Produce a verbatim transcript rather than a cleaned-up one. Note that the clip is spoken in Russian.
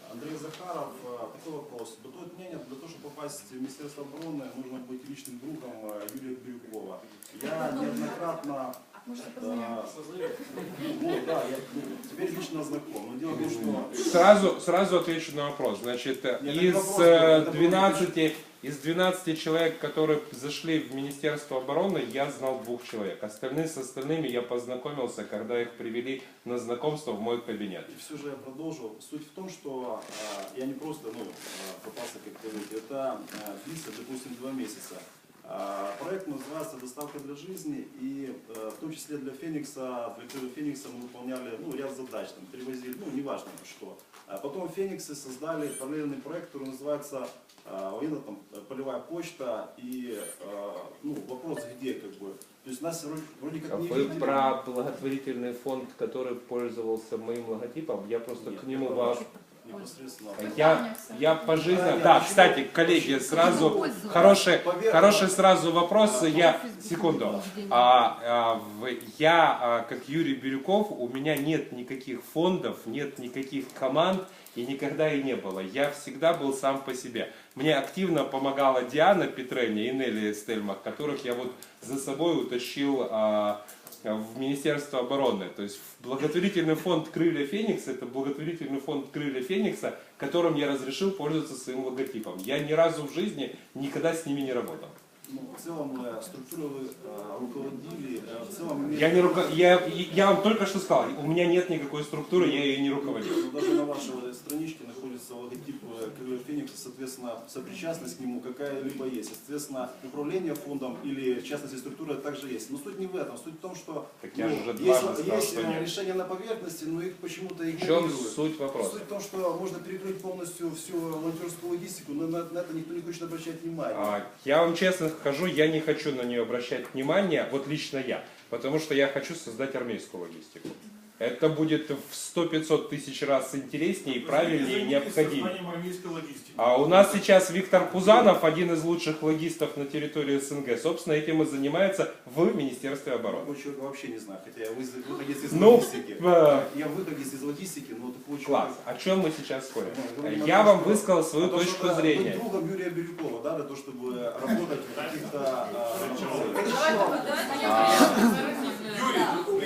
Андрей Захаров, такой вопрос. Бытует мнение, для того, чтобы попасть в Министерство обороны, нужно быть личным другом Юрия Бирюкова. Я неоднократно... Да, ну, да, я ну, теперь лично знаком. Но дело в том, что... Сразу, сразу отвечу на вопрос. Значит, Нет, из, вопрос, двенадцати, из двенадцати человек, которые зашли в Министерство обороны, я знал двух человек. Остальные с остальными я познакомился, когда их привели на знакомство в мой кабинет. И все же я продолжу. Суть в том, что э, я не просто ну, попался, как говорите, это э, длится, допустим, два месяца. Проект называется «Доставка для жизни», и в том числе для Феникса, для первого Феникса мы выполняли ну, ряд задач, там, перевозили, ну неважно что. А потом Фениксы создали параллельный проект, который называется военно, там, «Полевая почта», и ну, вопрос где как бы. То есть нас вроде как не Вы видели. про благотворительный фонд, который пользовался моим логотипом, я просто Нет, к нему... ваш... непосредственно. Я, я по жизни... Да, кстати, коллеги, сразу хороший, хороший сразу вопрос. Я, секунду. А, а, в, я, а, как Юрий Бирюков, у меня нет никаких фондов, нет никаких команд, и никогда и не было. Я всегда был сам по себе. Мне активно помогала Диана Петрени и Нелли Стельмах, которых я вот за собой утащил а, в Министерство обороны. То есть благотворительный фонд «Крылья Феникса» — это благотворительный фонд «Крылья Феникса», которым я разрешил пользоваться своим логотипом. Я ни разу в жизни никогда с ними не работал. Ну, в целом структуру вы э, руководили, э, в целом... Я, не руко... я, я вам только что сказал, у меня нет никакой структуры, я ее не руководил. Ну, даже на вашей страничке находится логотип Крылья Феникса, соответственно, сопричастность к нему какая-либо есть. Соответственно, управление фондом или, в частности, структура также есть. Но суть не в этом, суть в том, что так ну, я же уже есть, сказал, есть что нет. решения на поверхности, но их почему-то В игнорируют. чем суть вопроса? Суть в том, что можно перекрыть полностью всю волонтерскую логистику, но на, на это никто не хочет обращать внимание. А, я вам честно скажу, я не хочу на нее обращать внимание, вот лично я, потому что я хочу создать армейскую логистику. Это будет в сто-пятьсот тысяч раз интереснее, правильнее и необходимее. А у нас сейчас Виктор Пузанов, один из лучших логистов на территории СНГ, собственно, этим и занимается в Министерстве обороны. Такого человека вообще не знаю, хотя я выходец из ну, логистики. Э... Я выходец из логистики, но такого Класс. человека... О чем мы сейчас спорим? Да, я вам что... высказал свою а точку то, зрения. Быть другом Юрия Бирюкова, да, для того, чтобы работать в каких-то...